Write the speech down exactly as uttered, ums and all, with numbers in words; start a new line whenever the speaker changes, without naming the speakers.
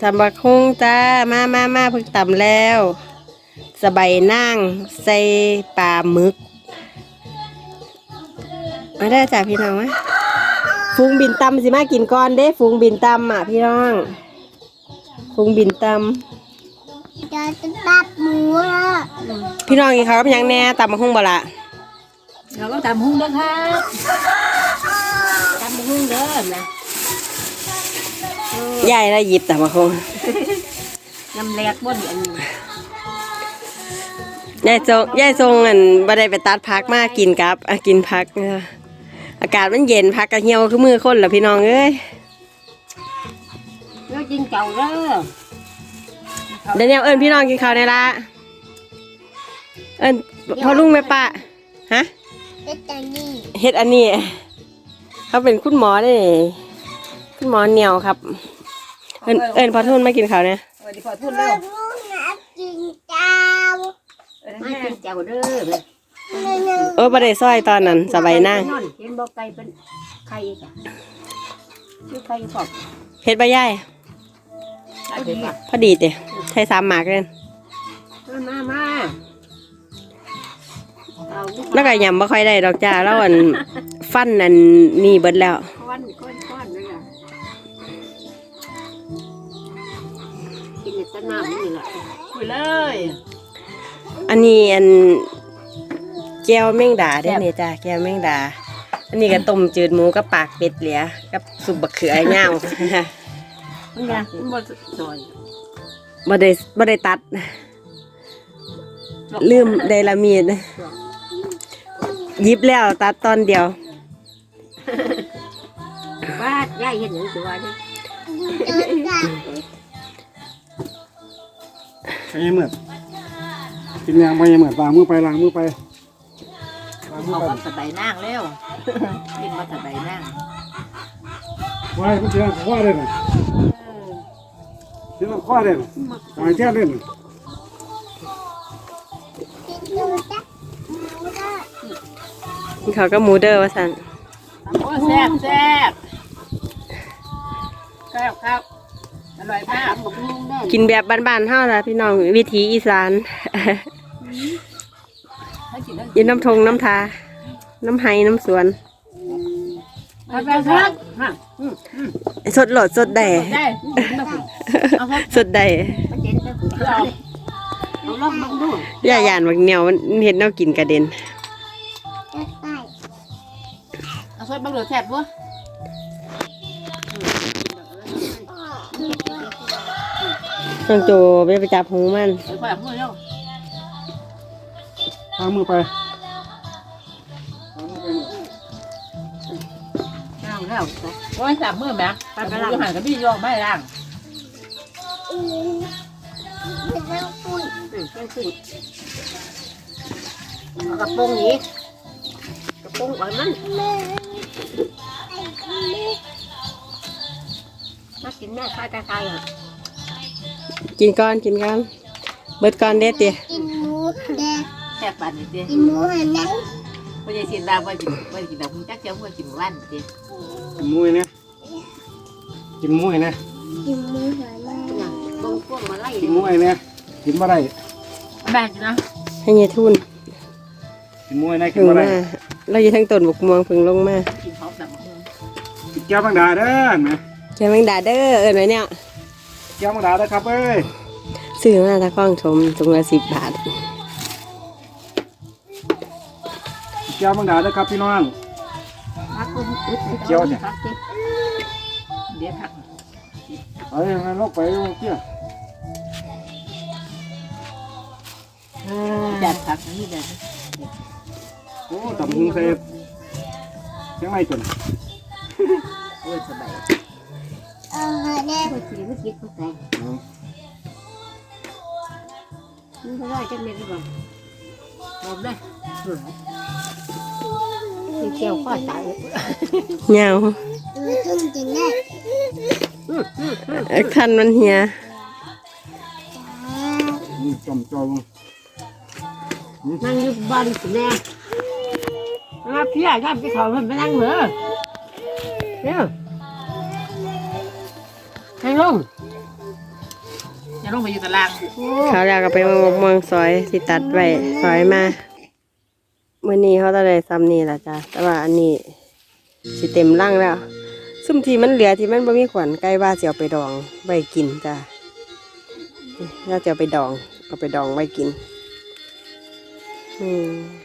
ตำบักหุ่งจ้ามามามาเพิ่งตำแล้วสบายนั่งใส่ปลาหมึกมาได้จ้าพี่น้องไหมฟูงบินตำสิมากินก่อนเด้ฟูงบินตำอ่ะพี่น้องฟูงบินตำ
จะตับหมูอ่ะ
พี่น้องกินข้าวกับยังแน่ตำบักหุ่งบ่ละ
เราก็ตำหุ่งเด้อครับตำหุ่งเด้อนะ
ยายได้หยิบตำบักหุ่ง
น้ำแรกบ่ดีอันนี้
ยายทรงยายทรงอันบ่ได้ไปตัดพักมากินกับอ่ะกินพักอากาศมันเย็นพักกระเหี่ยวคือมือคนเหรอพี่น้องเอ้ย
แล้วกินเก่าเด้อ
เดี๋ยวเอิญพี่น้องกินข้าวในละเอิญพ่อลุงแม่ป้าฮะ
เฮ็ดอันนี้
เฮ็ดอันนี้เขาเป็นคุณหมอได้คุณหมอเหนียวครับเอิญเอิญพอทุนไม่กินข้าวเนี่ย
สวัสดีพอทุนเด้อ
กินเจ้า
ไม่กินเจ้าเด้อ
เออบ่ได้ซอยตอนนั้นสบายนั่ง
เห็นบ่ไก่เป็นไข่จ้ะชื่อไข่ขอบ
เฮ็ดบ่ยายพอดีเด้ใช้สามหมากเลย
มามา
แล้วก็ยำบ่ค่อยได้ดอกจ้าแล้วอันฟันอันนี่เบิดแล้ว
ค้อนค้อนค้อนเลยอ่ะกินแต่น้ำนี่แหละคุยเลย
อันนี้อันแก้วแมงดาได้เนี่ยจ้าแก้วแมงดาอันนี้ก็ต้มจืดหมูกับปากเป็ดเหลียกับสุกบักเขือเงา
มันยังบ่ซอย
บ่ได้บ่ได้ตัดลืมไดลามีดยิบแล้วตัดตอนเดียว
ว่ายายเห็นหรือตัวนี้
ใช่เหมือนกินยางไปเหมือนล้างมือไปล้างมือไป
ล้างมือไปสบายนั่งเร็วกินมาสบายนั่ง
ว้ายมันเชื่อข้อเลยนะเชื่อข้อเลยนะหายเชื่อเลยนะ
เขาก็มูเดอร์ว่าสั่น
โอ้แซ่บแซ่บครับครับอร่อยมาก
กินแบบบ้านๆเท่านะพี่น้องวิถีอีสานยินน้ำทงน้ำทาน้ำไห้น้ำสวนสดหลดสดแด่สดแด่ย่าหยานบักเหนียวมันเห็นแนวกินกระเด็น
เอาซอสบังเหลือแซ่บวะ
น้องโจไปไปจับหูมัน
ล้างมือไป
ล้างแล้วโอ้ยสามมือแม่ไปไปล้างหันกับพี่ยองไม่ล้างกระปุกนี้กระปุกแบบนั้นมากินแม่คายคายอ่ะ
กินก้อนกินก้อนเบิดก้อนเด็ดเตี๋ย
กินหมูแดง
แซ่บปันนี่เตี๋ย
กินหมูหันนะ
ไม่ใช่กินดาวไม่กินไม่กินดาวมึงจักเจ้าไม่กินวันเตี๋ย
กินหมูเนี่ยกินหมูเนี่ย
กินหมูหันนะ
บงพวกมาไล่
กินหมูเนี่ยกินมาได้
แบ่งนะ
ให้ยายทุน
กินหมูเนี่ยกินมาได้
เราอยู่ทั้งต้นบุกม่วงพึ่งลงมา
กินเขาแบบ
แก้วบางดาเด้อไหม
แก้วแมงดาเด้อเอิญไว้เนี่ย
แก้วบางดาเด้อครับเอ้ย
ซื้อมาตะก้องชมถุงละสิบบาท
แก้วบางดาเด้อครับพี่น้องเจียวเนี่ย
เดี๋ยวพัก
เอ้ยงั้นลงไปลงเที่ย
จัดผักนี่เลย
โอ้ตับหุงเสร็จยังไงจน
โอ้ยสบาย
เออเนี่ย
ไม่คิดไม่คิดเข้าใจนี่ก็ได้จังเลยดีกว่าลมเลยที่เจียวข้อตาย
เงา
เออทุ่งจริงได้
คันมันเหีย
จอมจอม
นั่งอยู่บ้านสิแม่มาพี่ใหญ่ทำที่เขามันไปนั่งเหรอเนี่ยให้ลงจะลงไปอยู่ตาราง
เขาแล้วก็ไปมองมองซอยสิตัดไว้ซอยมามื้อนี้เขาจะได้ซ้ำนี่ล่ะจ้ะแต่ว่าอันนี้สิเต็มร่างแล้วซุ่มที่มันเหลือที่มันบ่มีขวัญใกล้ว่าสิเอาไปดองไว้กินจ้ะเราจะเอาไปดองเอาไปดองไว้กินอืม